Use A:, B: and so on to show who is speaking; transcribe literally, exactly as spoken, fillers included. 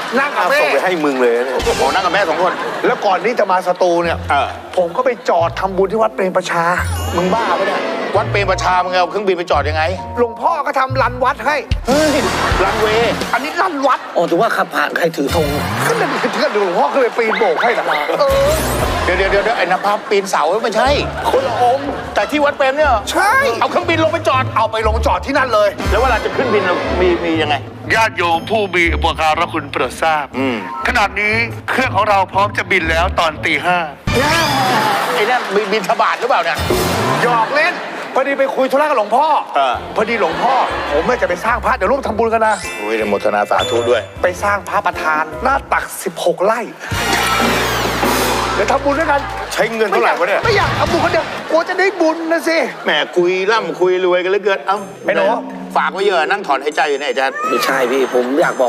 A: นั่งกับแม่
B: ส่งไปให้มึงเลยเนี่ย
C: โอ้นั่งกับแม่สองคน
A: แล้วก่อนที่จะมาสตูเนี่ย
C: เออ
A: ผมก็ไปจอดทำบุญที่วัดเปรมประชามึงบ้าปะเนี่ย
C: วัดเปรมประชามึงเอาเครื่องบินไปจอดยังไง
A: หลวงพ่อก็ทำรันวัดให้
C: เฮ้ยรันเวย์
A: อันนี้รันวัด
D: อ๋อถือว่าขับผ่านใครถือธง
A: ก็เลยเพื่อนหลวงพ่อก็เลยปีนโบกให้นะเออ
C: เดี๋ยวเดี๋ยวเดี๋ยวไอ้นภาพปีนเสาไม่ใช่
A: คนละองค์
C: แต่ที่วัดเปรมเนี่ย
A: ใช่
C: เอาเครื่องบินลงไปจอด
A: เอาไปลงจอดที่นั่นเลย
C: แล้วเวลาจะขึ้นบินเรามีมียังไง
E: ญาติโยมผู้มีอุปการะคุณโปรดทราบ
C: อืม
E: ขนาดนี้เครื่องของเราพร้อมจะบินแล้วตอนตีห้า
C: ไอ้นั่นบินบินทบาทหรือเปล่าเนี่ย
A: หยอกเล่นพอดีไปคุยธุระกับหลวงพ่อ
C: เออ
A: พอดีหลวงพ่อ ผมเนี่ยจะไปสร้างพระเดี๋ยวร่วมทำบุญกันนะ
C: โอ้ยอนุโมทนาสาธุด้วย
A: ไปสร้างพระประธานหน้าตักสิบหกไร่เดี๋ยวทำบุญด้วยกัน
B: ใช้เงินเท่าไหร่วะเนี่ย
A: ไม่อยากทำบุญคนเดียวกลัวจะได้บุญนะสิ
C: แหมคุยร่ำคุยรวยกันเหลือเกิน เอ้า
A: ไอ้หนู
C: ฝากไว้เยอะนั่งถอนหายใจอยู่เนี่ยไอ้แจ๊ด
D: ไม่ใช่พี่ผมอยากบอก